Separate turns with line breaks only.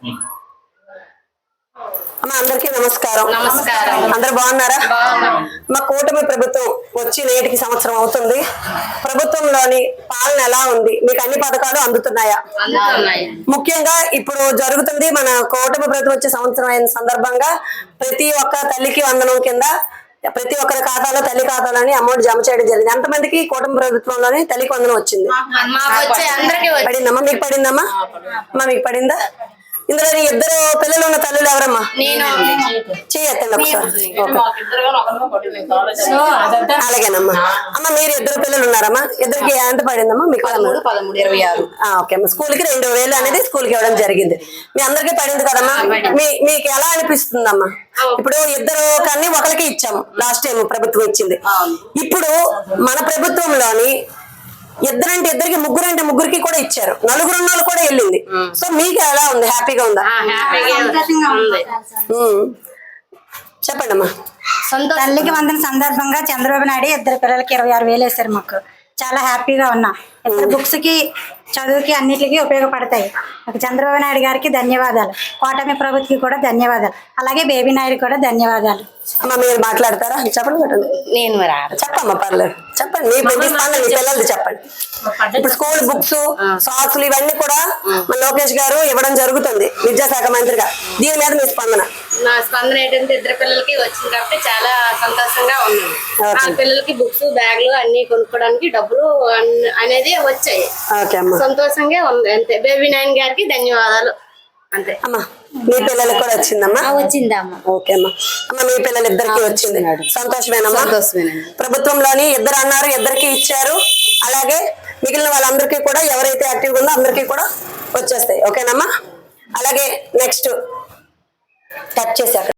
అమ్మ అందరికీ నమస్కారం.
నమస్కారం.
అందరు బాగున్నారా? మా కూటమి ప్రభుత్వం వచ్చి నేటికి సంవత్సరం అవుతుంది. ప్రభుత్వంలోని పాలన ఎలా ఉంది? మీకు అన్ని పథకాలు అందుతున్నాయా? ముఖ్యంగా ఇప్పుడు జరుగుతుంది మన కూటమి ప్రభుత్వం వచ్చే సంవత్సరం అయిన సందర్భంగా ప్రతి ఒక్క తల్లికి వందనం కింద ప్రతి ఒక్కరి ఖాతాలో తల్లి ఖాతాలోని అమౌంట్ జమ చేయడం జరిగింది. ఎంతమందికి కూటమి ప్రభుత్వంలోని తల్లికి వందనం వచ్చింది? పడిందమ్మా? మీకు పడిందమ్మా? అమ్మా మీకు పడిందా? ఇందులో ఇద్దరు పిల్లలు ఉన్న తల్లులు ఎవరమ్మా? చేయొద్దండి ఒకసారి. అలాగేనమ్మా. అమ్మ మీరు ఇద్దరు పిల్లలు ఉన్నారమ్మా? ఇద్దరికి ఎంత పడిందమ్మా మీకు?
13,26.
ఓకే అమ్మా. స్కూల్ కి 2,000 అనేది స్కూల్ కి ఇవ్వడం జరిగింది. మీ అందరికీ పడింది కదమ్మా? మీకు ఎలా అనిపిస్తుందమ్మా? ఇప్పుడు ఇద్దరు కానీ ఒకరికి ఇచ్చాము లాస్ట్ టైం ప్రభుత్వం ఇచ్చింది. ఇప్పుడు మన ప్రభుత్వంలోని ఇద్దరంటే ఇద్దరికి, ముగ్గురంటే ముగ్గురికి కూడా ఇచ్చారు. నలుగురు ఉన్న వాళ్ళు కూడా వెళ్ళింది. సో మీకు ఎలా ఉంది? హ్యాపీగా ఉందా? చెప్పండి అమ్మా.
తల్లికి వందన సందర్భంగా చంద్రబాబు నాయుడు ఇద్దరు పిల్లలకి 26,000 వేశారు. మాకు చాలా హ్యాపీగా ఉన్నా. ఇద్దరు బుక్స్ కి, చదువుకి, అన్నిటికీ ఉపయోగపడతాయి. మాకు చంద్రబాబు నాయుడు గారికి ధన్యవాదాలు. కూటమి ప్రభుత్వకి కూడా ధన్యవాదాలు. అలాగే బేబీ నాయుడు కూడా ధన్యవాదాలు.
అమ్మ మీరు మాట్లాడతారా? చెప్పండి.
నేను
చెప్పమ్మా పర్లేదు. చెప్పండి. మీ పిల్లలది చెప్పండి. ఇప్పుడు స్కూల్ బుక్స్, సాక్స్లు ఇవన్నీ కూడా మన లోకేష్ గారు ఇవ్వడం జరుగుతుంది విద్యాశాఖ మంత్రిగా. దీని మీద మీ స్పందన?
నా స్పందన ఏంటంటే ఇద్దరు పిల్లలకి వచ్చింది కాబట్టి చాలా సంతోషంగా ఉంది. ఆ పిల్లలకి బుక్స్, బ్యాగులు అన్ని కొనుక్కోవడానికి డబ్బులు అనేది వచ్చాయి. సంతోషంగా ఉంది. అంతే. బేబీ నాయన్ గారికి ధన్యవాదాలు. అంతే
అమ్మా. మీ పిల్లలకి కూడా వచ్చిందమ్మా?
వచ్చిందమ్మా.
ఓకే అమ్మా. అమ్మ మీ పిల్లలు ఇద్దరికి వచ్చింది. సంతోషమేనమ్మా? ప్రభుత్వంలోని ఇద్దరు అన్నారు, ఇద్దరికి ఇచ్చారు. అలాగే మిగిలిన వాళ్ళందరికీ కూడా ఎవరైతే యాక్టివ్గా ఉందో అందరికీ కూడా వచ్చేస్తాయి. ఓకేనమ్మా? అలాగే నెక్స్ట్ టచ్ చేశారు.